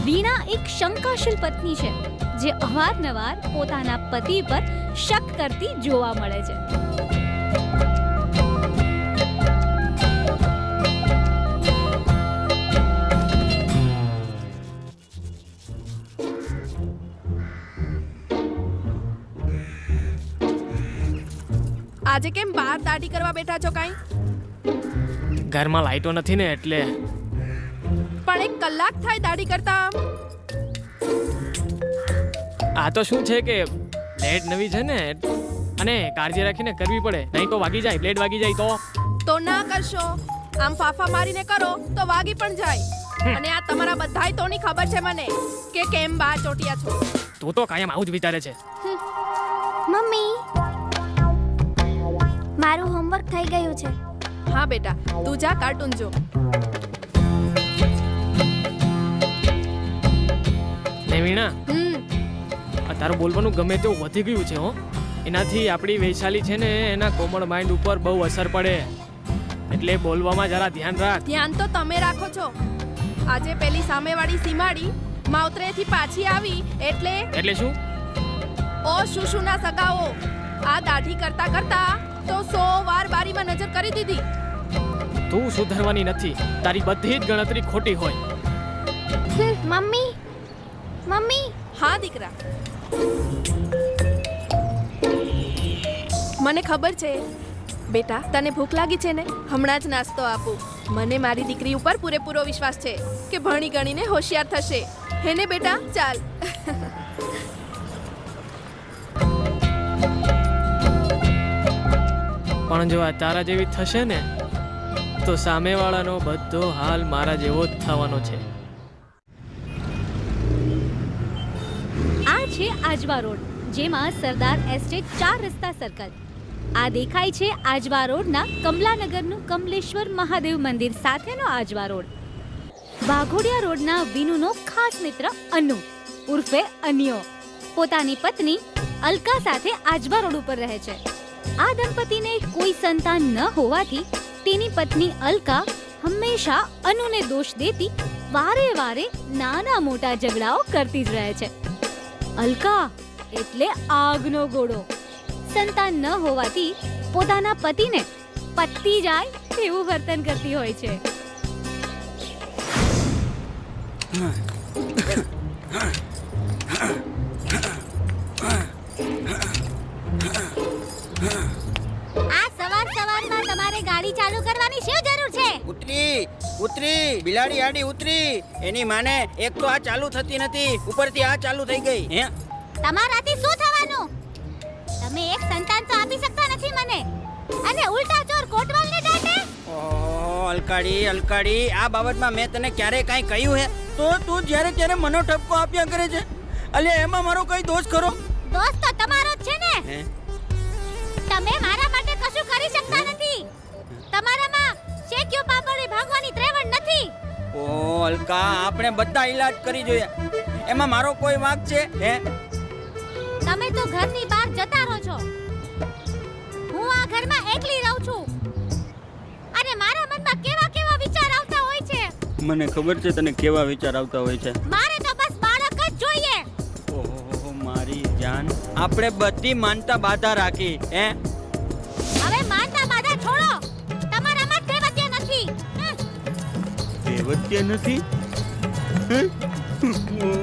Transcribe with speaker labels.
Speaker 1: વીણા એક શંકાશીલ પત્ની છે જે અવારનવાર પોતાના પતિ પર શક કરતી જોવા મળે છે.
Speaker 2: આજે કેમ બહાર દાઢી કરવા બેઠા છો? કાંઈ
Speaker 3: ઘરમાં લાઈટો નથી ને એટલે.
Speaker 2: પણ 1 કલાક થાય દાઢી કરતા.
Speaker 3: આ તો શું છે કે બ્લેડ નવી છે ને અને કાળજી રાખીને કરવી પડે, નહીં તો વાગી જાય. બ્લેડ વાગી જાય
Speaker 2: તો ના કરશો. આમ ફાફા મારીને કરો તો વાગી પણ જાય. અને આ તમારા બધાય તોની ખબર છે મને કે કેમ બહાર ચોટિયા છો.
Speaker 3: તું તો કાયમ આવું જ વિચારે છે.
Speaker 4: મમ્મી, મારું હોમવર્ક થઈ ગયું છે.
Speaker 2: હા બેટા, તું જા કાર્ટૂન જો.
Speaker 3: ને વીણા, તારું બોલવાનું ગમે તેવું વધી ગયું છે હો. એનાથી આપણી વૈશાલી છે ને એના કોમળ માઇન્ડ ઉપર બહુ અસર પડે, એટલે બોલવામાં જરા ધ્યાન રાખ.
Speaker 2: ધ્યાન તો તમે રાખો છો. આજે પેલી સામેવાળી સીમાડી માવતરેથી પાછી આવી એટલે
Speaker 3: શું?
Speaker 2: ઓ શુશુના સગાઓ, આ દાઢી કરતા કરતા તો 100 વાર બારીમાં નજર કરી દીધી.
Speaker 3: તું સુધરવાની નથી. તારી બધી જ ગણતરી ખોટી હોય.
Speaker 4: Mummy, mummy.
Speaker 2: હા દીકરા, મને ખબર છે બેટા તને ભૂખ લાગી છે ને. હમણાં જ નાસ્તો આપું. મને મારી દીકરી ઉપર પૂરેપૂરો વિશ્વાસ છે કે ભણી ગણીને હોશિયાર થશે. હે ને બેટા? ચાલ.
Speaker 3: પણ જો આ તારા જેવી થશે ને તો સામેવાળાનો બધો હાલ મારા જેવો જ થવાનો છે.
Speaker 1: આ છે આજવા રોડ, જેમાં સરદાર એસ્ટેટ 4 રસ્તા સર્કલ. આ દેખાય છે આજવા રોડના કમલાનગરનું કમલેશ્વર મહાદેવ મંદિર સાથેનો આજવા રોડ. વાઘોડિયા રોડના વિનુનો ખાસ મિત્ર અનુ ઉર્ફે અન્યો પોતાની પત્ની અલકા સાથે આજવા રોડ ઉપર રહે છે. આ દંપતીને કોઈ સંતાન ન હોવાથી તેની પત્ની અલકા હંમેશા અનુને દોષ દેતી વારે વારે નાના મોટા ઝઘડાઓ કરતી જ રહે છે. અલકા એટલે આગનો ગોળો. સંતાન ન હોવાથી પોતાના પતિને પતી જાય એવું વર્તન કરતી હોય છે.
Speaker 4: આ સવારમાં તમારે ગાડી ચાલુ કરવાની શું જરૂર છે?
Speaker 5: ઉતરી બિલાડી આડી ઉતરી. એની માને એક તો આ ચાલુ થતી નથી, ઉપરથી આ ચાલુ થઈ ગઈ. હે,
Speaker 4: તમારાથી શું થવાનું? તમે એક સંતાન તો આપી શકતા નથી મને, અને ઉલટા ચોર કોટવાલને દાટે.
Speaker 5: ઓહો અલકાડી, આ બાબતમાં મેં તને ક્યારે કાંઈ કહ્યું હે? તો તું જ્યારે ત્યારે મનો ઠપકો આપ્યા કરે છે. અલ્યા એમાં મારો કઈ દોષ ખરો?
Speaker 4: દોસ્ત તો તમારો જ છે ને.
Speaker 5: હે,
Speaker 4: તમે મારા માટે કશું કરી શકતા નથી. તમારામાં શેક્યો પાપડી ભાગવાની ત્રેવડ નથી.
Speaker 5: ઓહો અલકા, આપણે બધા ઈલાજ કરી જોયા, એમાં મારો કોઈ વાંક છે? હે,
Speaker 4: તમે તો ઘરની બહાર જતા રહો છો. હું આ ઘરમાં એકલી રહું છું, અને મારા મનમાં કેવા કેવા વિચાર આવતા હોય છે.
Speaker 5: મને ખબર છે તને કેવા વિચાર આવતા હોય છે.
Speaker 4: મારે તો બસ બાળક જ જોઈએ.
Speaker 5: ઓહો મારી જાન, આપણે બધી માનતા બાધા રાખી. હે,
Speaker 4: હવે માનતા બાધા છોડો. તમારામાં દેવત્ય નથી.
Speaker 5: દેવત્ય નથી?